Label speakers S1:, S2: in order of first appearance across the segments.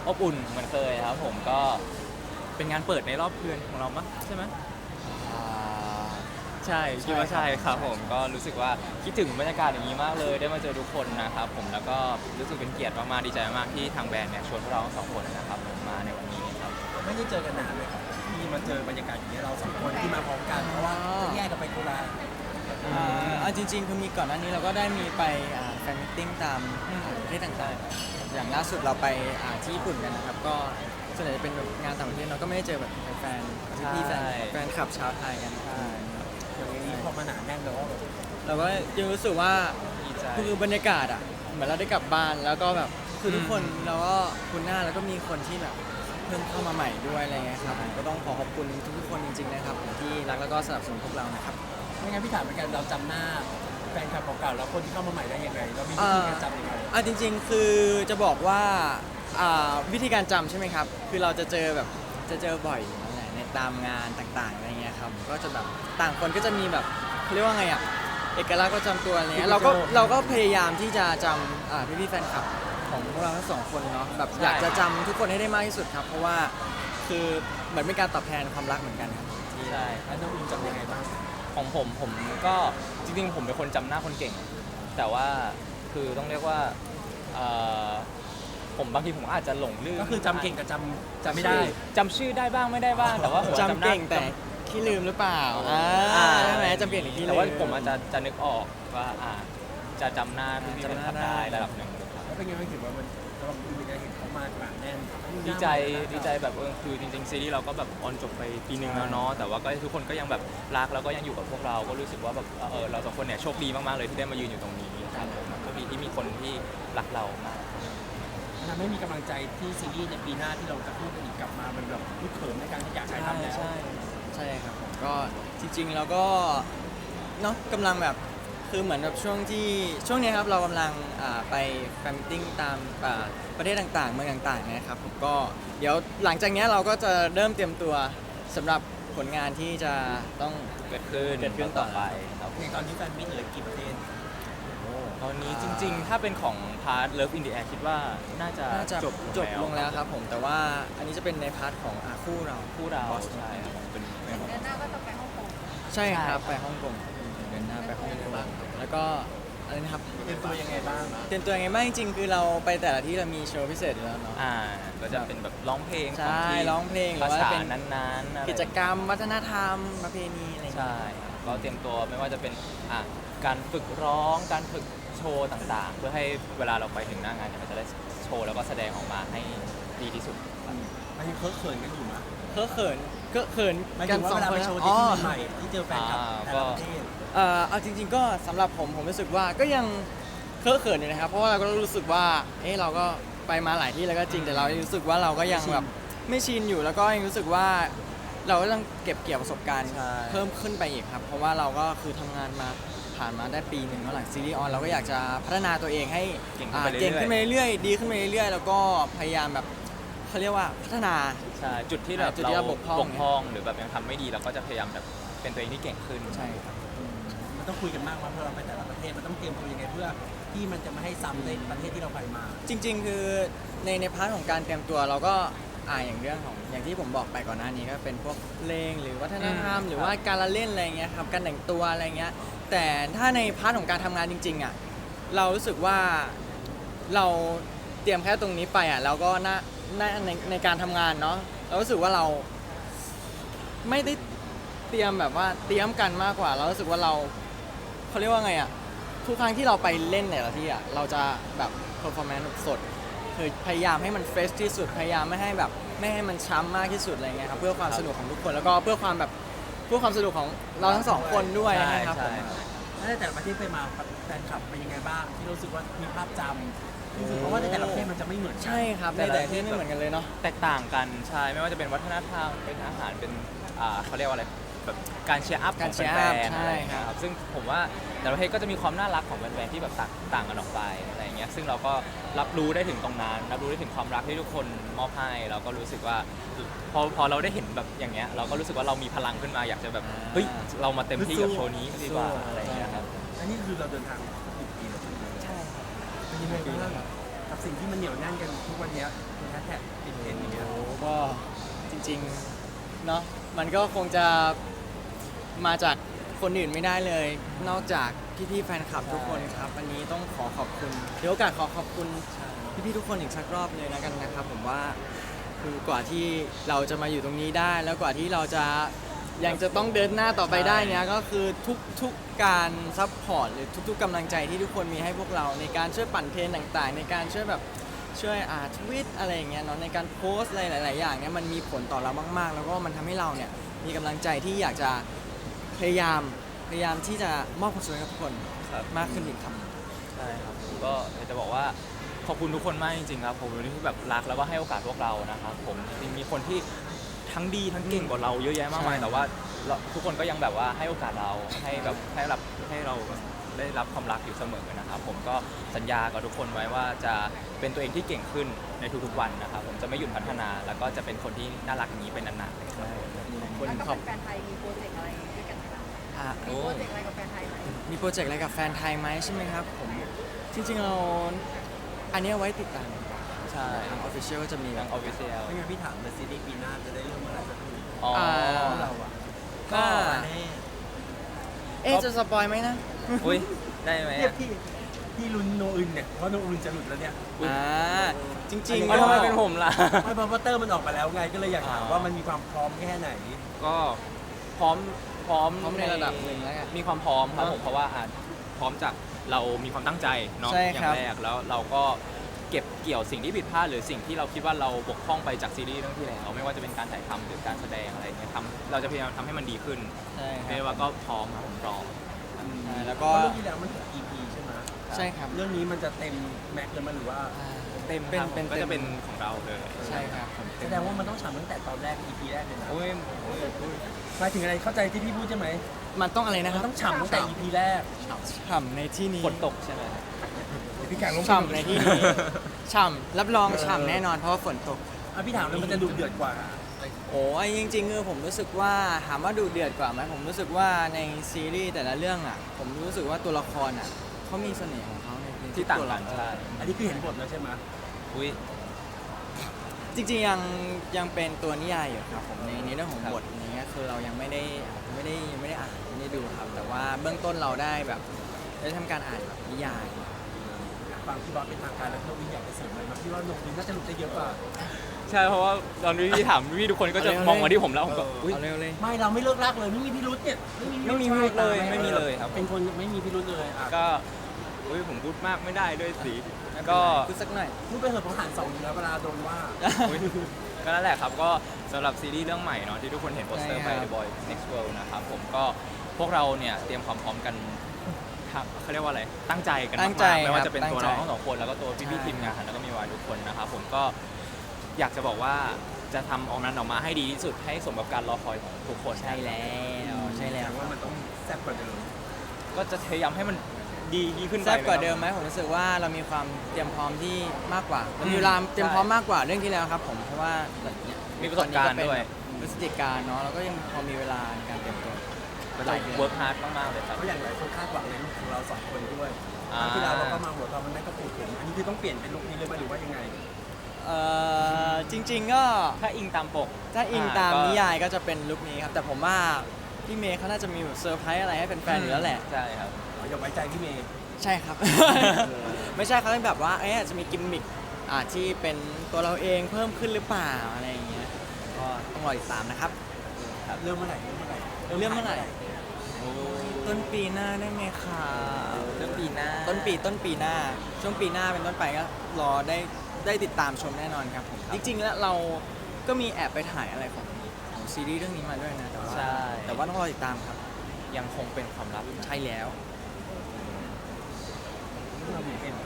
S1: อบอุ่นเหมือนเคยครับผมก็เป็นงานเปิดในรอบเดือนของเรามั้งใช่ไหม
S2: อ่า
S1: ใช่คิดว่า
S2: ใช่
S1: ใช่
S2: ค
S1: ค
S2: รั
S1: รั
S2: บบ
S1: ผมก็รู้สึกว่าคิดถึงบรรยากาศอย่างนี้มากเลยได้มาเจอทุกคนนะครับผมแล้วก็รู้สึกเป็นเกียรติมากๆดีใจมากที่ทางแบรนด์เนี่ยชวนพวกเราทั้งสองคนนะครับผมมาในวันนี้ครับ
S3: ไม่ได้เจอกันนานเลยครับที่มาเจอบรรยากาศอย่างนี้ยเราสองคนที่มาพร้อมกันเพราะว่าจะแยกกันไปคนละ
S2: เอาจริงๆคือมีก่อนหน้านี้เราก็ได้มีไปแฟนมิทติ้งตามประเทศต่างๆอย่างล่าสุดเราไปที่ญี่ปุ่นกันนะครับก็ส่วนใหญ่จะเป็นแบบงานต่างประเทศเราก็ไม่ได้เจอแบบแฟนๆพี่ๆแฟนคลับชาวไทยกันใช่ครับ
S3: อย่างนี้พอมาหนาแน่นแล้วแบบ
S2: เราก็ยังรู้สึกว่า
S1: ดีใจ
S2: คือบรรยากาศอ่ะเหมือนเราได้กลับบ้านแล้วก็แบบคือทุกคนเราก็คุ้นหน้าแล้วก็มีคนที่แบบเพิ่มเข้ามาใหม่ด้วยอะไรเงี้ยครับก็ต้องขอบคุณทุกๆคนจริงๆนะครับที่รักแล้วก็สนับสนุนพวกเรานะครับ
S3: ไม่งั้นพี่ถามเหมือนกันเราจำหน้าแฟนคลับเก่าๆแล้วคนที่เข้ามาใหม่ได้ยังไงเรามีวิธีการจำยังไง
S2: จริงๆคือจะบอกว่าวิธีการจำใช่ไหมครับคือเราจะเจอแบบจะเจอบ่อยอยู่นั่นแหละในตามงานต่างๆอะไรเงี้ยครับก็จะแบบต่างคนก็จะมีแบบเขาเรียกว่าไงอ่ะเอกลักษณ์ประจำตัวอะไรเงี้ยเราก็พยายามที่จะจำพี่ๆแฟนคลับของพวกเราทั้งสองคนเนาะแบบอยากจะจำทุกคนให้ได้มากที่สุดครับเพราะว่าคือเหมือนเป็นการตอบแทนความรักเหมือนกันครับ
S1: ใช่
S3: แล้วน้องอินจำยังไงบ้าง
S1: ของผมก็จริงๆผมเป็นคนจำหน้าคนเก่ง แต่ว่าคือต้องเรียกว่าเอ่อผมบางทีผมอาจจะหลงลืม
S3: ก็คือจำเก่งกับจำไม่ได้
S1: จำชื่อได้บ้างไม่ได้บ้างแต่ว่าผม
S2: จำ
S1: หน้า
S2: เก่งแต่ขี้ลืมหรือเปล่าใช่ไหมจำเก่งหรือขี้ลืม
S1: แต่ว่าผมอาจจะนึกออกว่าจะจำหน้าพี่ๆเป็นคลับได้ระดับหนึ่งครับ
S3: แล้วเป็นไงไม่ถือว่ามันสำหรับคุณเป็นไงเห็นเขามาหนาแน่น
S1: ดีใจแบบคือจริงๆซีรีส์เราก็แบบออนจบไปปีหนึ่งแล้วเนาะแต่ว่าก็ทุกคนก็ยังแบบรักแล้วก็ยังอยู่กับพวกเราก็รู้สึกว่าแบบเราสองคนเนี่ยโชคดีมากๆเลยที่ได้มายืนอยู่ตรงนี้ครับผมโชคดีที่มีคนที่รักเรามาก
S3: ทำให้มีกำลังใจที่ซีรีส์ในปีหน้าที่เราจะพูดกันอีกกลับมามันแบบลุกเขิมในการที่อยากถ่ายทำแล้ว
S2: ใช่ครับผมก็จริงๆเราก็เนาะกำลังแบบคือเหมือนแบบช่วงนี้ครับเรากำลังไปแฟนมิทติ้งตามประเทศต่างๆเมืองต่างๆนะครับผมก็เดี๋ยวหลังจากนี้เราก็จะเริ่มเตรียมตัวสำหรับผลงานที่จะต้อง
S1: เกิดขึ้นต่อไปครับ
S3: ในตอนนี้แฟนมิตรเหลือกี่ประเทศ
S1: ตอนนี้จริงๆ ถ้าเป็นของพาร์ท Love in the Air คิดว่าน่าจะ
S2: จบลงแล้วครับผมแต่ว่าอันนี้จะเป็นในพาร์ทของคู่เรา
S1: คู่เราใช่ครับผมเป็น
S4: เดือนหน้าก็จะไปฮ่องกง
S2: ใช่ครับไปฮ่องกงเดินหน้าไปฮ่องกงแล้วก็อะไรนะครับ
S3: เตรียมตัวยังไงบ้าง
S2: เตรียมตัวยังไงบ้างจริงๆคือเราไปแต่ละที่เรามีโชว์พิเศษอยู่แล้วเนาะ
S1: ก็จะเป็นแบบร้องเพลง
S2: ใช่
S1: ของที่
S2: ร้องเพลงหรือ
S1: ภา
S2: ว่า
S1: ษา
S2: เป็น
S1: นั้นๆอะไร
S2: กิจกรรมวัฒนธรรมประเพณีอะไรอย่างเงี้ย
S1: ใช่ครับก็เตรียมตัวไม่ว่าจะเป็นการฝึกร้องการฝึกโชว์ต่างๆ เพื่อให้เวลาเราไปถึงหน้างานเนี่ยมันจะได้โชว์แล้วก็แสดงออกมาให้ดีที่สุดครับ
S3: มันยังเคิร์ฟเขินกันอยู่มั้ย
S2: เคอะเขิน
S3: หมาย
S2: กั
S3: ถึ
S2: น
S3: งว่า
S2: สอง
S3: เวลา
S2: ค
S3: ไป
S2: น
S3: โชว์
S2: อ๋
S3: ที่
S2: อ
S3: ที่ใหม่ที่เจอแฟนคลับแต่ละประเทศ
S2: เอาจริงๆก็สำหรับผมรู้สึกว่าก็ยังเคอะเขินอยู่นะครับเพราะว่าเราก็รู้สึกว่าเราก็ไปมาหลายที่แล้วก็จริงแต่เรารู้สึกว่าเราก็ยังแบบไม่ชินอยู่แล้วก็ยังรู้สึกว่าเราก็ต้องเก็บเกี่ยวประสบการณ์
S1: ใช่
S2: เพิ่มขึ้นไปอีกครับเพราะว่าเราก็คือทำงานมาผ่านมาได้ปีหนึ่งแล้วหลังซีรีส์ออนเราก็อยากจะพัฒนาตัวเองให้
S1: เก่งขึ้นไปเรื่อยๆ
S2: เก่งขึ้นไปเรื่อยๆดีขึ้นไปเรื่อยๆแล้วก็พยายามแบบเขาเรียกว่าพัฒนา
S1: ใช่จุดที่แบบ
S2: จุดที่เราบกพร่อง
S1: หรือแบบยังทำไม่ดีเราก็จะพยายามแบบเป็นตัวเองที่เก่งขึ้น
S2: ใช่ครับ
S3: มันต้องคุยกันมากว่าเพื่อเราไปแต่ละประเทศมันต้องเตรียมตัวยังไงเพื่อที่มันจะไม่ให้ซ้ำในประเทศที่เราไปมา
S2: จริงๆ คือในพาร์ทของการเตรียมตัวเราก็อย่างเรื่องของอย่างที่ผมบอกไปก่อนหน้านี้ก็เป็นพวกเพลงหรือวัฒนธรรมหรือว่าการละเล่นอะไรเงี้ยครับการแต่งตัวอะไรเงี้ยแต่ถ้าในพาร์ทของการทำงานจริงๆอ่ะเรารู้สึกว่าเราเตรียมแค่ตรงนี้ไปเราก็ในการทำงานเนาะเรารู้สึกว่าเราไม่ได้เตรียมแบบว่าเตรียมกันมากกว่า เรารู้สึกว่าเขาเรียกว่าไงอ่ะทุกครั้งที่เราไปเล่นแต่ละที่อ่ะเราจะแบบ performance สดคือพยายามให้มันเฟรชที่สุดพยายามไม่ให้มันช้ำมากที่สุดอะไรเงี้ยครับเพื่อความสนุกของทุกคนแล้วก็เพื่อความสนุกของเราทั้งสองคนด้วยนะครับผม
S3: แล้วในแต่ละประเทศไปมาแฟนคลับเป็นยังไงบ้างที่รู้สึกว่ามีภาพจำรู้สึกเพราะว่าในแต่ละประเทศมันจะไม่เหมือนกัน
S2: ใช่ครับในแต่ละที่ไม่เหมือนกันเลยเนาะ
S1: แตกต่างกันใช่ไม่ว่าจะเป็นวัฒนธรรมเป็นอาหารเป็นเขาเรียกว่าอะไรแบบการเชียร์อัพของแฟนๆอะไรอย่างเงี้ยครับซึ่งผมว่าแต่ละประเทศก็จะมีความน่ารักของแฟนๆที่แบบต่างกันออกไปอะไรอย่างเงี้ยซึ่งเราก็รับรู้ได้ถึงตรงนั้นรับรู้ได้ถึงความรักที่ทุกคนมอบให้เราก็รู้สึกว่าพอเราได้เห็นแบบอย่างเงี้ยเราก็รู้สึกว่าเรามีพลังขึ้นมาอยากจะแบบเฮ้ยเรามาเต็มที่กับโชว์นี้ดีกว่าอะไรอย่างเงี้ยครับ
S3: อันนี้คือเราเดินทาง10 ปีแล้วใช่ไหม
S2: ใช่
S3: เป็นยังไงบ้างกับกับสิ่งที่มันเหนียวแน่นกันทุกวันเนี้ยเป็นแฮชแท็กติดเทรนด์อย่างเงี้ย
S2: โอ้ก็จริงๆเนาะมันก็คงจะมาจากคนอื่นไม่ได้เลย นอกจากพี่ๆแฟนคลับทุกคนครับวันนี้ต้องขอขอบคุณเดี๋ยวโอกาสขอขอบคุณพี่ๆทุกคนอีกสักรอบเลยแล้วกันนะครับผมว่าคือกว่าที่เราจะมาอยู่ตรงนี้ได้ แล้วกว่าที่เราจะยังจะต้องเดินหน้าต่อไปได้เนี่ยก็คือทุกการซัพพอร์ตหรือทุกๆกำลังใจที่ทุกคนมีให้พวกเราในการช่วยปั่นเทรนต่างๆ ในการช่วยแบบช่วยทวิตอะไรอย่างเงี้ยเนาะในการโพสต์อะไรหลาย ๆ อย่างเนี่ยมันมีผลต่อเรามาก ๆ แล้วก็มันทำให้เราเนี่ยมีกำลังใจที่อยากจะพยายามที่จะมอบความสุขให้กับทุกคน
S1: ครับ
S2: มากขึ้นอีกครับ
S1: ใช่ครับผมก็อยากจะบอกว่าขอบคุณทุกคนมากจริงๆครับผมที่แบบรักแล้วก็ให้โอกาสพวกเรานะครับผมจริงๆมีคนที่ทั้งดีทั้งเก่งกว่าเราเยอะแยะมากมาย
S2: ใช่
S1: แต่ว่าทุกคนก็ยังแบบว่าให้โอกาสเราให้แบบให้เราได้รับความรักอยู่เสมอนะครับผมก็สัญญากับทุกคนไว้ว่าจะเป็นตัวเองที่เก่งขึ้นในทุกๆวันนะครับผมจะไม่หยุดพัฒนาแล้วก็จะเป็นคนที่น่ารักอย่างนี้เป็นนานๆเลยครับ
S2: คน
S4: แล้ว
S2: ข
S4: ก็
S2: อบ
S4: แฟนไทยมีโปรเจกต์อะไรด้วยกันไหมคะ
S2: อ่ะ
S4: มีโปรเจกต์อะไรกับแฟนไทยไหม
S2: มีโปรเจกต์อะไรกับแฟนไทยไหมใช่ไหมครับผมจริงๆเราอันนี้เอาไว้ติดตาม
S1: ใช่
S2: ทางออฟฟิเชียลก็จะมีแบ
S1: ทาง
S2: บ
S1: ออฟฟิเชียล
S3: ไม่งั้นพี่ถามเลยซีรีส์ปีหน้าจะได้เรื่องเมื่อไหร่สักที
S1: อ๋อ
S3: พวกเราอ่ะ
S2: ก็
S3: แน่
S2: จะสปอยไหมนะ
S1: อุ้ยได้ไหม
S3: เนี่ย
S1: อะ
S3: พี่ลุ้นโนอึนเนี่ยเพราะโนอึนจะหลุดแล้วเนี่ย
S2: จริงๆ
S1: แล้วทำไมเป็นผมล่ะ
S3: ไม่เพราะว่าเตอร์มันออกมาแล้วไงก็เลยอยากถามว่ามันมีความพร้อมแค่ไหน
S1: ก็พร้อม
S2: พร้อมในระดับหนึ่งแล้วกัน
S1: มีความพร้อมครับ
S2: เนอะ
S1: ผมเพราะว่าพร้อมจากเรามีความตั้งใจเนาะ
S2: ใช่
S1: อย่า
S2: ครั
S1: ง
S2: บ
S1: แรกแล้วเราก็เก็บเกี่ยวสิ่งที่ผิดพลาดหรือสิ่งที่เราคิดว่าเราบกพร่องไปจากซีรีส์เรื่องที่แล้วไม่ว่าจะเป็นการถ่ายทำหรือการแสดงอะไรเงี้ยเราจะพยายามทำให้มันดีขึ้น
S2: ใช่ค
S1: เรียก
S2: รับ
S1: ว่าก็พร้อมครับผมพร้อม
S2: ใช่แล้ว
S3: เพ
S2: ก็
S3: ราะเรื่องที่แล้วมันถึง EP ใช่ไหม
S2: ใช่ครับ
S3: เรื่องนี้มันจะเต็มแม็กซ์เลยมั้ยหรือว่า
S1: เต็ม
S2: เป็น
S1: ครับ
S2: เป็น
S1: ก็จะเป็นของเราเลย
S2: ใช่ครับผม
S3: แสดงว่ามันต้องฉ่ำตั้งแต่ตอนแรก EP แรกเลยนะ
S1: โอ้ย
S3: หมายถึงอะไรเข้าใจที่พี่พูดใช่ไหม
S2: มันต้องอะไรนะค
S3: มั
S2: รั
S3: น
S2: บ
S3: ต้องฉ่ำตั้งแต่ EP แรก
S2: ฉ่ำในที่นี้
S1: ฝนตกใช่ไหม
S3: เดี๋ยวพี่การลง
S2: ฉ่ำในที่นี้ฉ่ำรับรองฉ่ำแน่นอนเพราะว่าฝนตก
S3: อ่ะพี่ถามเลยมันจะดุเดือดกว่า
S2: โอ้ยจริงๆคือผมรู้สึกว่าถามว่าดูเดือดกว่าไหมผมรู้สึกว่าในซีรีส์แต่ละเรื่องอ่ะผมรู้สึกว่าตัวละครอ่ะเขามีเสน่ห์ของเขาใน
S1: ที่ต่าง
S2: ตัว
S1: กัน
S2: ละคร
S1: ใช่
S3: อันนี้คือเห็นบทแล้วใช่ไหม
S1: อุ้ย
S2: จริงๆยังเป็นตัวนิยายอยู่ครับผมในเรื่องของบทอย่างเงี้ยคือเรายังไม่ได้อ่านไม่ได้ดูครับ แต่ว่าเบื้องต้นเราได้แบบได้ทำการอ่านแบบนิยาย
S3: ฟังพี่บอสเป็นทางการแล้วโนวินอยากจะเสริมอะไรไหมพี่ว่าโนวินน่าจะหลุดได้เยอะกว่า
S1: ใช่เพราะว่าตอนพี่ถามพี่ทุกคนก็จะมองมาที่ผมแล้วผมก็อุ้ย
S2: เอาเร็วเลย
S3: ไม่เราไม่เลิกรักเลยไม่มีพิรุษเนี่ย
S1: ไม่มีพิรุธเลยไม่มีเลยครับ
S3: เป็นคนไม่มีพิรุษเลยอ่ะ
S1: ก็อุ้ยผมพูดมากไม่ได้ด้วยสิก็
S2: พูดสักหน่อย
S3: พูดไปเถอะผมหันสองอยู่แล้วเวลาโดนว่า
S1: อุ๊ยก็นั่นแหละครับก็สำหรับซีรีส์เรื่องใหม่เนาะที่ทุกคนเห็นโปสเตอร์ไป
S2: ใช่ครับ
S1: The Boy Next World นะครับผมก็พวกเราเนี่ยเตรียมความพร้อมกันเขาเรียกว่าอะไรตั้งใจกัน
S2: ตั้
S1: มาง
S2: ใจ
S1: กๆไม่ว่า
S2: ครับ
S1: จะเป็น
S2: ตั้ง
S1: ตัว
S2: ใจ
S1: เราทั้งสองคนแล้วก็ตัวพี่
S2: ใช่
S1: ๆทีมงานแล้วก็มีวายทุกคนนะครับผมก็อยากจะบอกว่าจะทำออกนั้นออกมาให้ดีที่สุดให้สมกับการรอคอยของทุกคน
S2: ใช่แล้วใช่แล้ว
S3: ว่ามันต้องแซ่บกว่าเดิม
S1: ก็จะพยายามให้มันดีขึ้นไป
S2: แซ่บกว่า
S1: นะครับ
S2: เดิมไหมผมรู้สึกว่าเรามีความเตรียมพร้อมที่มากกว่าเรามีเวลาเตรียมพร้อมมากกว่าเรื่องที่แล้วครับผมเพราะว่าเนี่ย
S1: มีประสบการณ์ด้วย
S2: พฤศจิกายนเนาะเราก็ยังพอมีเวลาในการเตรียมตัวหลายเดือน
S1: เวิร์กฮาร์ดมากๆเลยครับ
S3: เพราะอย่างหลายคนคาดหวังในลุคของเราสองคนด้วย
S1: อ่า
S3: ครั้งที่แล้วเราก็มาหัวตอนมันแม่ก็ปูดถึงอันนี้คือต้องเปลี่ยนเป็นลุคนี้เลยไหมหรือว่ายังไง
S2: จริง ๆ ก็
S1: ถ้าอิงตามปก
S2: ถ้าอิงตาม
S1: ก็
S2: นิยายก็จะเป็นลุคนี้ครับแต่ผมว่าพี่เมย์เขาน่าจะมีแบบเซอร์ไพรส์อะไรให้แฟนๆอยู่แล้วแหละ
S1: ใช่ครับ
S3: อย่าไว้ใจพี่เมย์
S2: ใช่ครับ ไม่ใช่เขาเป็นแบบว่าอาจจะมีกิมมิคที่เป็นตัวเราเองเพิ่มขึ้นหรือเปล่าอะไรอย่างเงี้ยก็ต้องรอติดตามนะครับ
S3: เริ่มเมื่อไหร่
S2: เริ่มเมื่อไหร่ ต้นปีหน้าได้ไหมคะ
S1: เรื่องปีหน้า
S2: ต้นปีหน้า ช่วงปีหน้าเป็นต้นไปก็รอได้ติดตามชมแน่นอนครับผมจริงๆแล้วเราก็มีแอบไปถ่ายอะไรของซีรีส์เรื่องนี้มาด้วยนะแต่ว่า
S1: ใช่
S2: แต่ว่าต้องรอติดตามครับ
S1: ยังคงเป็นความลับ
S2: ใช่แล้ว
S3: เรามีเป็น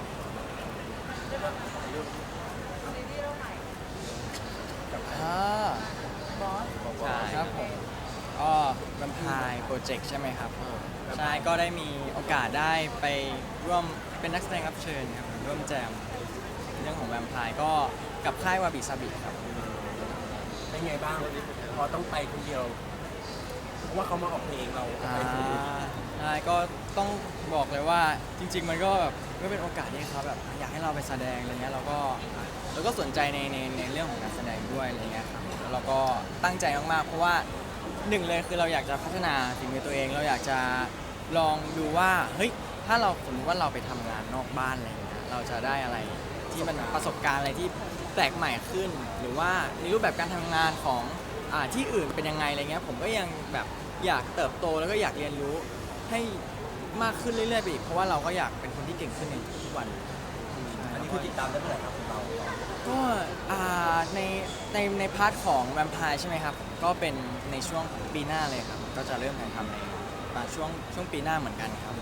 S4: บอส
S1: ใช่
S2: ครับผมก็แวมไพร์โปรเจกต์ใช่ไหมครับใช่ก็ได้มีโอกาสได้ไปร่วมเป็นนักแสดงรับเชิญครับร่วมแจมเรื่องของแวมไพร์ก็กับค่ายวาบิซาบิครับ
S3: เป็นไงบ้างพอต้องไปคนเดียวเพราะว่าเขามาออกเพลงเรา
S2: อ่า
S3: ไปคนเดียว
S2: ใช่ก็ต้องบอกเลยว่าจริง ๆ มันก็แบบก็เป็นโอกาสที่เขาแบบอยากให้เราไปแสดงอะไรเงี้ยเราก็สนใจในเรื่องของการแสดงด้วยอะไรเงี้ยครับแล้วเราก็ตั้งใจมากๆเพราะว่าหนึ่งเลยคือเราอยากจะพัฒนาฝีมือตัวเองเราอยากจะลองดูว่าเฮ้ยถ้าเราสมมติว่าเราไปทำงานนอกบ้านอะไรเงี้ยเราจะได้อะไรที่มันประสบการณ์อะไรที่แปลกใหม่ขึ้น หรือว่าในรูปแบบการทำงานของที่อื่นเป็นยังไงอะไรเงี้ยผมก็ยังแบบอยากเติบโตแล้วก็อยากเรียนรู้ให้มากขึ้นเรื่อยๆไปอีกเพราะว่าเราก็อยากเป็นคนที่เก่งขึ้นในทุกวัน
S3: อันนี้คือติดตามได้เมื่อไหร่ครับของเรา
S2: ก็ในพาร์ทของแวมไพร์ใช่ไหมครับ ก็เป็นในช่วงของปีหน้าเลยครับ ก็จะเริ่มถ่ายทำในช่วงปีหน้าเหมือนกันครับ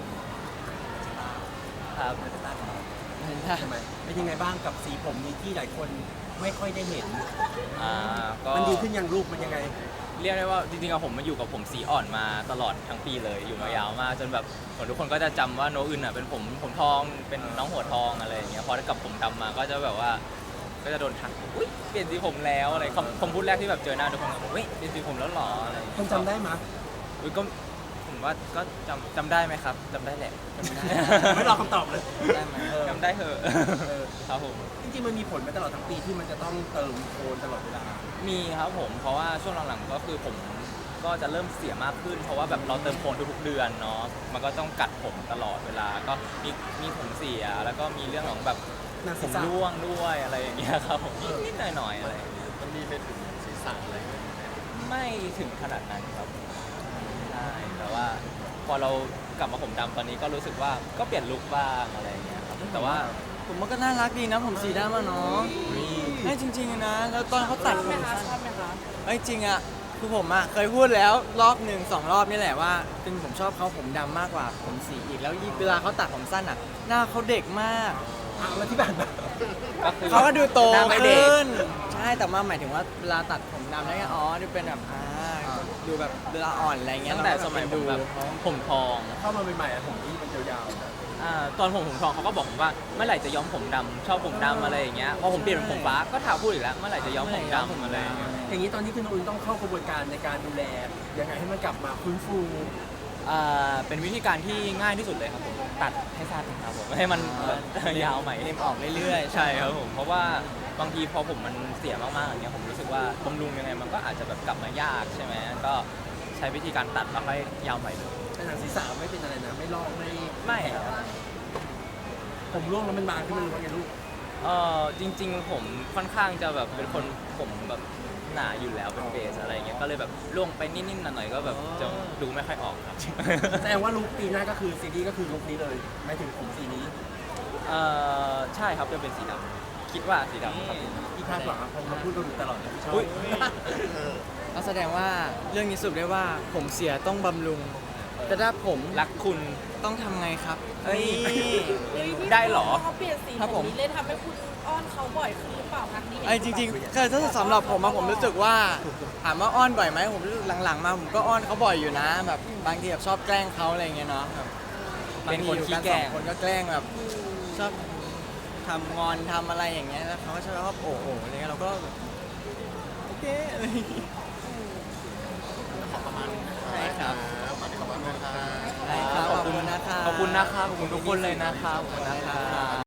S1: ครับ
S3: ใช่ไหมเป็นยังไงบ้างกับสีผมนี้ที่หลายคนไม่ค่อยได้เห็น
S1: ก็
S3: มันดีขึ้นยังรูปมันยังไง
S1: เรียกได้ว่าจริงๆอะผมมาอยู่กับผมสีอ่อนมาตลอดทั้งปีเลยอยู่มายาวมากจนแบบเหมือนทุกคนก็จะจำว่าโนอึนอ่ะเป็นผมทองเป็นน้องหัวทองอะไรอย่างเงี้ยพอได้กับผมดำมาก็จะแบบว่าก็จะโดนทักอุ้ยเปลี่ยนสีผมแล้วอะไรคำพูดแรกที่แบบเจอหน้าทุกคนก็บอกอุ้ยเปลี่ยนสีผมแล้วเหรออะไรอย่างเงี้ย
S3: คนจำได้ไหมย
S1: อุ้ยก็ผมว่าก็จำได้ไหมครับจำได้แหละจำได้
S3: ไม่รอคำตอบเลย
S2: ได้ไหม
S1: จำได้เหอะ
S3: เออ
S1: ครับผม
S3: จริงๆมันมีผลมาตลอดทั้งปีที่มันจะต้องเติมโคนตลอดเวลา
S1: มีครับผมเพราะว่าช่วงหลังๆก็คือผมก็จะเริ่มเสียมากขึ้น เพราะว่าแบบเราเติมโคนทุกๆเดือนเนาะมันก็ต้องกัดผมตลอดเวลาก็มีผมเสียแล้วก็มีเรื่องของแบบ
S3: หนัง
S1: ผ
S3: ศีร
S1: ม
S3: ษะ
S1: ร่วงด้วยอะไรอย่างเงี้ยครับผมนิดๆหน่อยๆอะไรอย่างเงี้ย
S5: มันมีไปถึงศีรษะอะไรไหม
S1: ไม่ถึงขนาดนั้นครับใช่แต่ว่าพอเรากลับมาผมดำตอนนี้ก็รู้สึกว่าก็เปลี่ยนลุคบ้างอะไรอย่างเงี้ยครับแต่ว่า
S2: ผมว่าก็น่ารักดีนะผมสีดำอะเนาะให้จริงๆนะ แล้วตอนเขาตัดผมสั้น
S4: ชอบไหมคะ
S2: เอ้ยจริงอะคือผมอะเคยพูดแล้วรอบหนึ่งสองรอบนี่แหละว่าเป็นผมชอบเขาผมดำมากกว่าผมสีอีกแล้วเวลาเขาตัดผมสั้นอะหน้าเขาเด็กมาก
S3: อ่ะแล้วที่ผ่านมา
S1: ก็คือ
S2: เขาก็ดูโต
S1: หน้าไม่เด็ก
S2: ขึ้น ใช่แต่ว่าหมายถึงว่าเวลาตัดผมดำแล้วก็อ๋อดูเป็นแบบดูแบบเวลาอ่อนอะไรเงี้ย
S1: ตั้งแต่สมัยผมแบบผมทอง
S3: เข้ามาใหม่ๆอะผมที่มันยาว
S1: ตอนผมทองเขาก็บอกผมว่าเมื่อไหร่จะย้อมผมดำชอบผมดำอะไรอย่างเงี้ยพอผมเปลี่ยนเป็นผมฟ้าก็ถามพูดอีกแล้วเมื่อไหร่จะย้อมผมดำอะไรอย่างเงี้ย
S3: ๆอย่างนี้ตอนนี้คือน้องอุ่นต้องเข้ากระบวนการในการดูแลยังไงให้มันกลับมาฟื้นฟู
S1: เป็นวิธีการที่ง่ายที่สุดเลยครับผมตัดให้สั้นครับผมให้มันยาวใหม่
S2: เล็มออกเรื่อยๆ
S1: ใช่ครับผมเพราะว่าบางทีพอผมมันเสียมากๆอย่างเงี้ยผมรู้สึกว่าบำรุงยังไงมันก็อาจจะแบบกลับมายากใช่ไหมก็ใช้วิธีการตัดแล้วค่อยยาวใหม่เลย
S3: แต่หนังศีรษะไม่เป็นอะไรนะไม่ลอกไม่
S1: ไม่ครับ
S3: ผมร่วงแล้วมันบางขึ้นมันรู้ว่าไงลูก
S1: จริงๆผมค่อนข้างจะแบบเป็นคนผมแบบหนาอยู่แล้วเป็นเบสอะไรเงี้ยก็เลยแบบล่วงไปนิดๆหน่อยๆก็แบบจะดูไม่ค่อยออกครับ
S3: แสดงว่าลุคปีหน้าก็คือซีรีส์ก็คือลุคนี้เลยหมายถึงผมสีนี้
S1: ใช่ครับจะเป็นสีดำคิดว่าสีดำครับ
S3: ที่คาดหวังอะผมมาพูดกันอยู่ตลอดเลยชอบ
S1: อุ๊ย
S2: ก็แสดงว่าเรื่องนี้สรุปได้ว่าผมเสียต้องบำรุง แต่ถ้าผม
S1: รักคุณ
S2: ต้องทำไงครับเอ้ย
S1: ได้เหรอ
S4: เขาเปลี่ยนสี
S2: ครับ
S4: ผ
S2: ผม ม
S4: นี้เลยทำให้คุณอ้อนเขาบ่อยขึ้นหรือเปล่าคะนี่
S2: ไอ้จริงๆคือถ้าสำหรับผมอะผมรู้สึกว่าถามว่าอ้อนบ่อยไหมผมรู้สึกหลังๆมาผมก็อ้อนเขาบ่อยอยู่นะแบบบางทีแบบชอบแกล้งเขาอะไรเงี้ยเนาะแบบ
S1: เป็นคน
S2: บางที
S1: ขี้
S2: อยู่
S1: แกล้ง
S2: สอคนก็แกล้งแบบชอบทำงอนทำอะไรอย่างเงี้ยแล้วเขาก็ชอบโอ้โหอะไรเงี้ยเราก็แบบโอเคอะไรอย่างเงี้ย
S5: ขอประมาณนี้นะครับ
S2: ใช่ครับ
S5: ขอบคุณนะครับ
S2: ได้ครับขอบคุณนะครับ
S1: ขอบคุณนะครับขอบคุณทุกคนเลยนะครับขอบคุณนะครับ